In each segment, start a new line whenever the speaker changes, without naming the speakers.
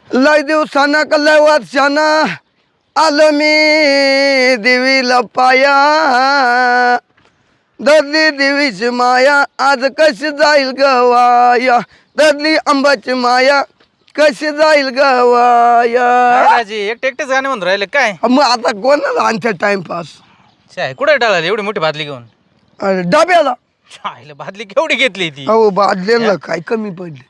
लय दिवसाना का लय वर्षाना आलो मी देवीला पाया दरली देवीची माया आज कशी जाईल गवाया दरली अंबाची माया कशी जाईल गवाया.
राजी एकटे एकटेच गाणे म्हणून राहिले काय?
मग आता कोणाला आणते टाइमपास.
शाय कुठे टाळाली एवढी मोठी बादली घेऊन?
अरे डब्याला.
शायला बादली केवढी घेतली ती?
अहो बादलेला काय कमी पडले.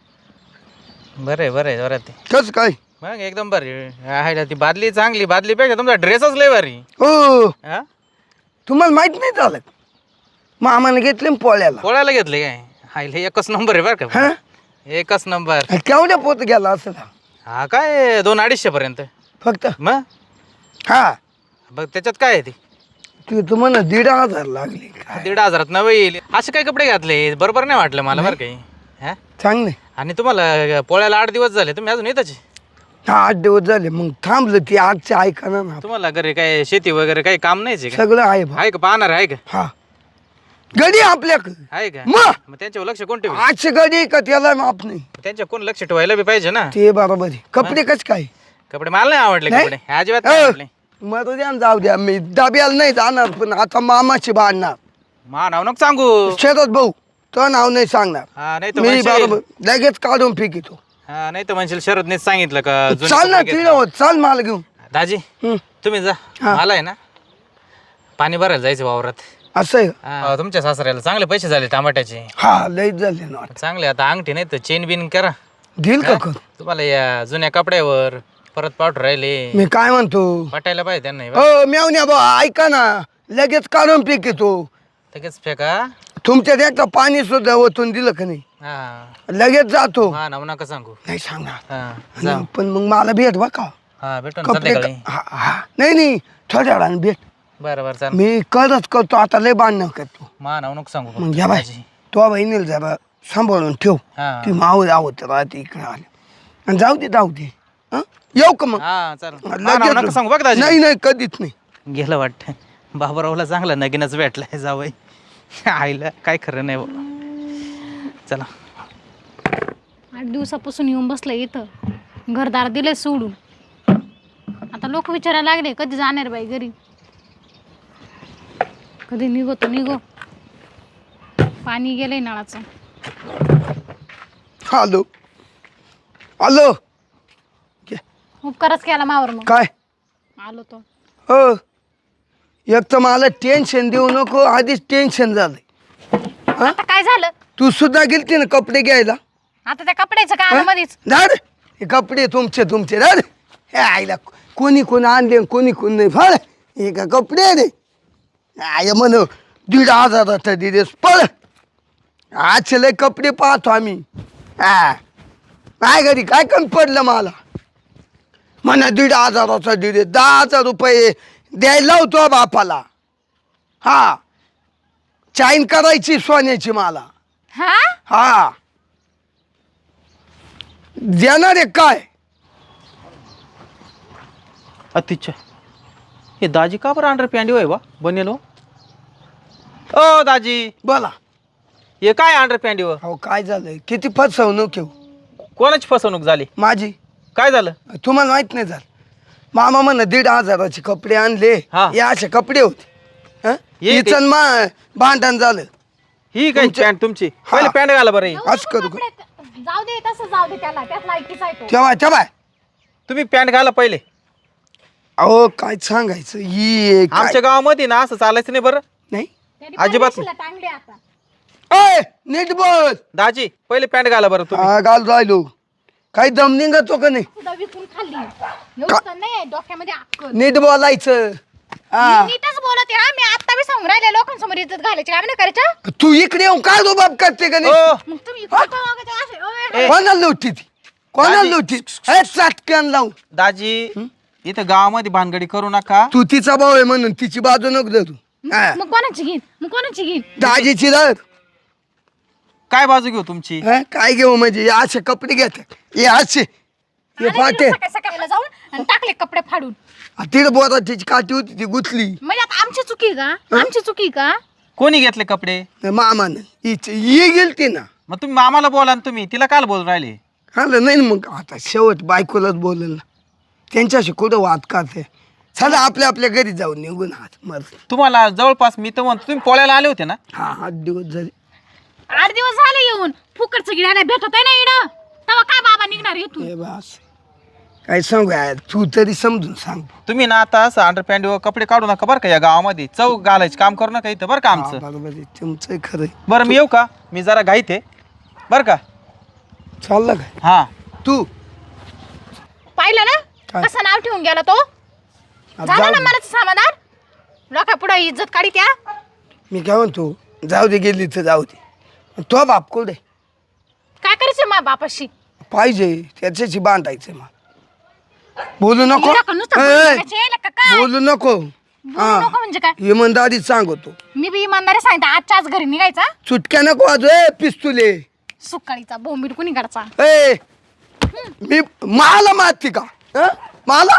बरं बरं ते
कस काय
मग एकदम बरी आहे ती बादली चांगली. बादलीपेक्षा तुमचा ड्रेसच लय भारी.
हो.
हा
तुम्हाला माहित नाही झालं मामाने घेतले पोळ्याला.
पोळ्याला घेतले काय? हायला एकच नंबर आहे बरं का. एकच नंबर.
केवढ्या पोत गेला असं
हा काय 200-250 पर्यंत
फक्त.
मग
हा
बघ त्याच्यात काय आहे ते
तू म्हणा 1,500 लागले.
1,500 नवे येईल असे काय कपडे घातले बरोबर नाही वाटलं मला बरं काही. हा
चांगले.
आणि तुम्हाला पोळ्याला 8 दिवस झाले तुम्ही अजून येताच?
8 दिवस झाले मग थांबलं ती आजचे ऐका ना.
तुम्हाला घरी काय शेती वगैरे काही काम नाहीच का?
सगळं आहे बा.
आहे का पाहणार आहे का?
हा गडी आपल्याकडे
आहे का?
मग
मग त्यांच्यावर लक्ष कोण ठेवलं?
आजची गडी का त्याला माप नाही.
त्यांच्या कोण लक्ष ठेवायला बी पाहिजे ना.
ते बरोबर आहे. कपडे कस काय
कपडे मला नाही आवडले.
नाही?
कपडे अजिबात नाही आवडले.
मरू द्या न जाऊ द्या मी डब्याला नाही जाणार पण आता मामाची बांधणार.
मा नाव नको सांगू.
शरद भाऊ तो नाव नाही सांगणार.
हा नाही तर
मी
म्हणशील.
बरोबर लगेच काढून फेकितो.
हा नाही तर म्हणशील शरदनेच सांगितलं का जुने
चाल ना
कपडे
तिला
घेतले.
होत चाल मला घेऊन.
दाजी
हं.
तुम्ही जा.
हा.
मला आहे ना पाणी भरायला जायचं वावरात.
असं आहे का?
हा, तुमच्या सासऱ्याला चांगले पैसे झाले टमाट्याचे.
हा लईच झाले ना आता.
चांगले आता अंगठी नाही तर चेन बिन करा.
देईल का कर.
तुम्हाला या जुन्या कपड्यावर परत पावडर राहिले
मी काय म्हणतो
पटायला पाहिजे त्यांना.
हो मेवण्या बा ऐका ना लगेच काढून फेकितो.
लगेच फेका.
तुमच्या एकदा पाणी सुद्धा ओतून दिलं का नाही
हा
लगेच जातो.
हा नाव नका सांगू.
नाही सांगणार
हा जा.
पण मग मला भेट बा का
हा भेटून ना
कपडे
संध्याकाळी.
हा नाही थोड्या वेळाने भेट.
बरं बरं चाल.
मी करच करतो आता लय बांधणं करतो.
मा नाव नको सांगू
मग
फक्त.
घ्या बाय
दाजी.
तो बहिणीला जरा सांभाळून ठेव.
हा
ती माव राहत राहते इकडे आले आणि जाऊ दे हं? येऊ का मग
हा चाल. मा नाव नका सांगू बघ दाजी.
नाही कधीच नाही.
गेलं वाटतं बाबरावला चांगला नगीनच भेटलाय जावई. आईला काय खरं नाही बाबा. चला
8 दिवसापासून येऊन बसलं इथं. घरदार दिले सोडून. आता लोक विचारायला लागले कधी जाणार बाई घरी. कधी निघो पाणी गेलंय नळाचं.
हॅलो
उपकारच केला मावर मग.
काय
आलो तो.
हो एक तर मला टेन्शन देऊ नको आधीच टेन्शन झालंय.
आता काय झालं?
तू सुद्धा गेलती ना कपडे घ्यायला.
आता त्या कपड्याचं कामामध्येच.
झाड हे कपडे तुमचे झाड हे आईला कोणी आणले कोणी नाही फळ हे का कपडे रे आय म्हण 1,500 दिलेस पळ. आज लय कपडे पाहतो आम्ही. हा काय घरी काय कमी पडलं मला म्हणा 1,500 दिले 10,000 रुपये द्यायला लावतो बापाला. हा चाईन करायची सोन्याची मला. हा देणार आहे काय?
अतिच्छा हे दाजी का बरं अंडर पॅन्ट होय बा बनेलो? ओ दाजी
बोला.
हे काय अंडर पॅन्ट हो?
हो काय झालंय किती फसवणूक येऊ
कोणाची फसवणूक झाली?
माझी.
काय झालं?
तुम्हाला माहित नाही झालं मामा म्हण 1,500 कपडे आणले.
हा.
हे असे कपडे होते. हं?
ये ते-
हिचं भांडण झालं.
ही काय
तुमच्या-
पॅन्ट तुमची?
हा.
पहिले पॅन्ट घाला बरं ही.
असं करू का?
जाऊ दे तसं जाऊ दे त्याला. त्यात लायकीच आहे तो.
तेव्हा
तुम्ही पॅन्ट घाला पहिले.
अहो काय सांगायचं ही काय-
आमच्या गावामध्ये ना असं चालायचं नाही बरं.
नाही
त्याने
अजिबात
परदेशीला टांगले आता.
अय नीट बोल.
दाजी पहिले पॅन्ट घाला बरं तुम्ही.
हा घाल राहिलो काही दम निघतो का नाही.
सुद्धा विकून खाल्ली. एवढं तर नाही डोक्यामध्ये अक्कल.
नीट बोलायचं. हा
मी नीटच बोलते. हा मी आता बी सांगून राहिले लोकांसमोर इज्जत घालायची काम नाही करायचं.
तू इकडे येऊन काय रुबाब करते का नाही.
ओ
मग तुम्ही इकडं का वागायचं असे? ओय,
कोणाला लुटी ती कोणाला
दाजी.
लुटी हे चाटक्यान लावून.
दाजी इथं गावामध्ये भानगडी करू नका.
तू तिचा भाऊ आहे म्हणून तिची बाजू नको धरू. हा.
मग कोणाची घेईन?
दाजीची धर.
काय बाजू घेऊ तुमची?
हं? काय घेऊ म्हणजे हे असे कपडे घेतात हे असे हे
आले
फाटे
गेलो सकाळला जाऊन आणि टाकले कपडे फाडून.
तिथे बोला तिची काठी होती ती गुतली
म्हणजे आता आमची चुकी का?
कोणी घेतले कपडे?
मामानं ही गेलती ना.
मग तुम्ही मामाला बोला ना तुम्ही तिला काल बोल राहिले.
आलं नाही ना मग आता शेवट बायकोलाच बोलेल ना त्यांच्याशी कुठं वाद करते चला आपल्या घरी जाऊन निघून हात मर
तुम्हाला जवळपास मी तर म्हणतो तुम्ही पोळ्याला आले होते ना.
हा 8 दिवस झाले
8 दिवस झाले येऊन फुकटचं गिरायला भेटत आहे ना इडं तेव्हा काय बाबा निघणार इथून.
हे बस काय सांगू यार तू तरी समजून सांग
तुम्ही ना आता असं अंडरपॅन्ट वर कपडे काढू नका बरं का या गावामध्ये चौक घालायचे काम करू नका इथं बरं का
हा,
आमचं.
बरोबर आहे तुमचं खरं आहे.
बरं मी येऊ का मी जरा घाईत आहे बरं का.
चाललं काय
हा
तू
पाहिलं ना
काय?
कसं नाव ठेवून गेला तो.
आता
झालं
जाऊ
ना
दे.
मला समाधान लोका पुढे इज्जत काढी त्या.
मी काय म्हणतो जाऊ दे गेली तर जाऊ दे तो बाप कुठे
काय करायचं मा बापाशी.
पाहिजे त्याच्याशी बांधायचं मग बोलू नको
हिला का नुसतं
ए,
बोलायचं यायला का काय?
बोलू नको
बोलू नको म्हणजे काय.
इमानदारीत सांगतो
मी बी इमानदारी सांगते आजच्या आज घरी निघायचा.
चुटक्या नको वाजू पिस्तुले
सुकाळीचा बोंबीड कुणी काढचा.
ए मी मला मारती का हं? मला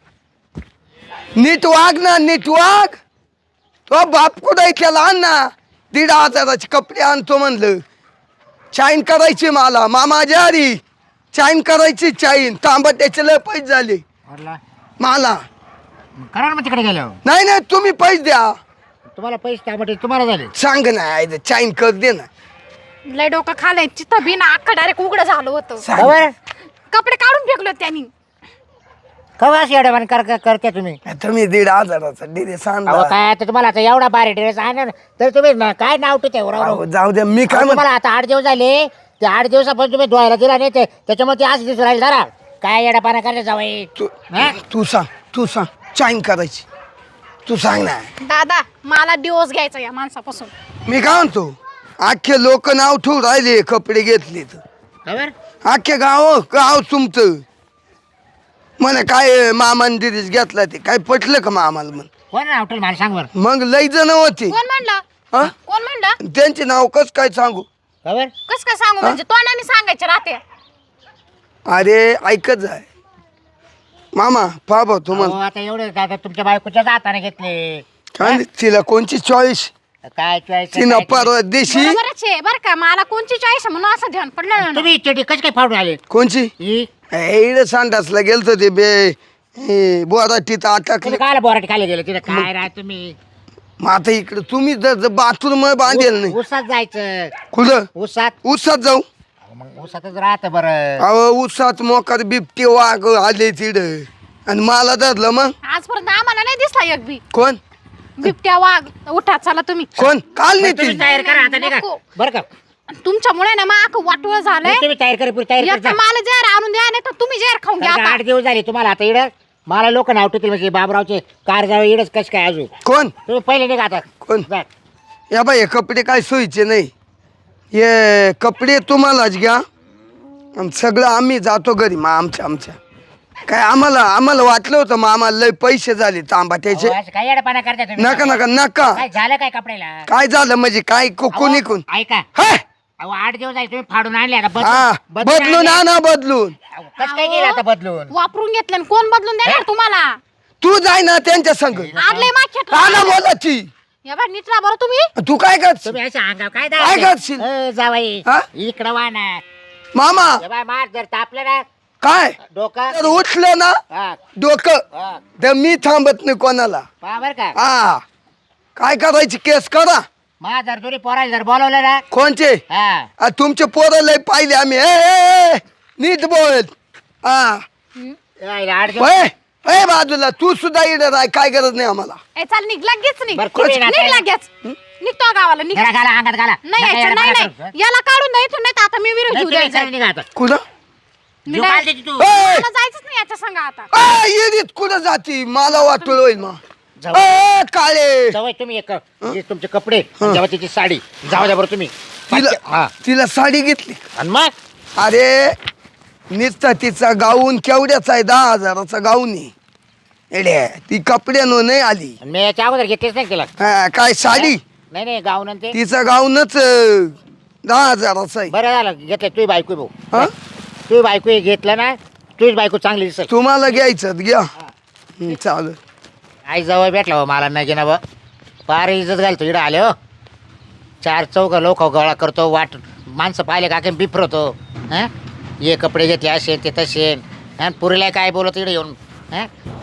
नीट वाग ना नीट वाग तो बाप कुठे केला आण ना 1,500 कपडे आणतो म्हणलं चाईन करायची मला मामा जारी चाईन करायची चाईन तांबट्याचे लय पैसे झाले मला
करा ना मग तिकडे गेलो
नाही तुम्ही पैसे द्या
तुम्हाला पैसे त्यामध्ये तुम्हाला झाले.
सांग ना चाईन कर दे ना
लय डोकं खालंय चित्त बी ना अख्खा डायरेक्ट उघडं झालं होतं.
सांग.
बरोबर
कपडे काढून फेकलो त्यांनी.
कवा अशी एवढ्या करते तुम्ही.
तुम्ही 1,500चा डिरे
अहो
सांगा
काय आता तुम्हाला आता एवढा बारी ड्रेस आहे ना तर तुम्ही काय नाव ठेवते
अहो, जाऊ द्या मी काय
तुम्हाला आता 8 दिवस झाले ते 8 दिवसापासून तुम्ही धुवायला दिला नाही त्याच्यामुळे ते आज दिसून राहील जरा काय येडापाना करायचं जावई.
तू सांग चाईन करायची तू सांग ना
दादा मला दिवस घ्यायचा या माणसापासून.
मी काय म्हणतो अख्खे लोक नाव ठेवून राहिले कपडे घेतले तर
खबर
अख्खे गाव तुमचं म्हणे काय मामान दिरीस घेतला ते काय पटलं का मामाला म्हण
कोण नाव ठेवलं मला सांग बरं.
मग लई जण होते
कोण म्हणलं
हा?
कोण म्हणलं.
त्यांचे नाव कस काय सांगू
खबर
कस काय सांगू म्हणजे तोंडाने सांगायचे राहते.
अरे ऐकत जाय मामा पाबा तुम्हाला
आता एवढे आता तुमच्या बायकोच्या हाताने घेतले
काय तिला कोणची चॉईस
काय choice
तिनं
काय
परवा देशी
बरोबरच आहे बरं का मला कोणची चॉईस म्हणून असं ध्यान पडलं ना.
तुम्ही चेटी कशी काय फाडून आले
कोणची
ही
इड सांडासला गेलतो ते बे बोराटीत अटकले
तुम्ही काय बोराटी खाली गेले तिथे काय राह तुम्ही
मग आता इकडे तुम्ही जर बाथरूम बांधेल नाही
उसात जायचं
कुठं
उसात
उसात जाऊ
मग उसातच राहतं बरं.
अहो उसात मोकार बिबटे वाघ आले तिड आणि मला धरलं मग
आजपर्यंत आम्हाला नाही दिसला एक बी
कोण
बिबट्या वाघ. उठा चला तुम्ही.
कोण काल नाही
तुम्ही
ती
तयार करा आता नाही का
नको.
बरं का
तुमच्यामुळे ना मग वाटोळ झालंय.
तुम्ही तयार करा पुरी तयार
एक तर मला जहर आणून द्या नाही तर तुम्ही जहर खाऊन घ्या आता.
8 दिवस झाले तुम्हाला आता इड मला लोक नाव ठेवतील म्हणजे बाबरावचे कार जावं इडच कश काय अजून
कोण
तुम्ही पहिले नाही का आता
कोण
जा.
या बाई हे कपडे काय सोयीचे नाही हे कपडे तुम्हालाच घ्या आणि सगळं आम्ही जातो घरी मग आमच्या काय आम्हाला वाटलं होतं मग आम्हाला लय पैसे झाले तांबाट्याचे
अहो, असं काय येडपाना करता तुम्ही
नका
काय झालं काय कपड्याला
काय झालं म्हणजे काय कोणी कोण
अहो, ऐका
हाय
अहो 8 दिवस झाले तुम्ही फाडून आणले आता
हा बदलून आणा बदलून
कसं काय केलं आता बदलून
वापरून घेतलं आणि कोण बदलून देणार तुम्हाला.
तू जाय ना त्यांच्या संग
आडले माखेट
आणा बोलाची
या बा नीटला बरं तुम्ही.
तू काय करशील
तुम्ही अशा अंगाव काय
काय करशील?
जावाई
हा?
इकडं वा ना
मामा
हे बाय मार जर तापलं ना
काय
डोकं
जर उठलं ना
हा
डोकं
हा
तर मी थांबत नाही कोणाला
पहा बरं का
हा काय करायची केस करा
मा जर तुम्ही पोराला जर बोलवलं ना
कोणचे
हा
तुमचे पोरं लय पाहिले आम्ही ए, नीट बोल हा
8 दिवस
ए बाजूला तू सुद्धा इडर आहे काय गरज नाही आम्हाला
ए चाल निघ लगेच निघ.
बरं, तुम्ही ना
निघ
काय-
लगेच निघतो गावाला निघ.
घाला घाला अंगात घाला
नाही
नका
यायचं नाही
येडपाना
नाही
करू.
याला काढून द्यायचं नाही तर आता मी विरोध
नाही,
घेऊ
तुम्ही
द्यायचं.
चला निघा आता.
कुठं
मी
जीव
नाही-
काढ त्याची तू
ए,
मला जायचंच नाही याच्या संग आता.
येरीत कुठं जाती मला वाटलं होईल मग
जाऊ.
ए, काळे
जवळ तुम्ही एक हे तुमचे कपडे जेव्हा तिची साडी जाऊ द्या बरं तुम्ही
तिला
हा
तिला साडी घेतली
आणि मग
अरे नुसता तिचा गाऊन केवढ्याचा आहे 10,000चा गाऊन आहे एड्या ती कपड्यानं नाही आली
आणि मी याच्या अगोदर घेतलेच नाही तिला
हा, काय साडी
नाही नाही गाऊन आणि ते
तिचा गाऊनच 10,000चा आहे
बरं झालं घेतलं तुझी बायको भाऊ
हा
तुझी बायको हे घेतलं ना तुझी बायको चांगली दिसत
तुम्हाला घ्यायचं घ्या चालेल
आई जवळ भेटला हो मला नाही ना बा फार इज्जत घालतो इकडं आले हो 4 चौघ लोक गोळा करतो वाट माणसं पाहिले का बिफरतो हां हे कपडे घेतले असे ते तसे आणि पुरीला काय बोलत इकडे येऊन हां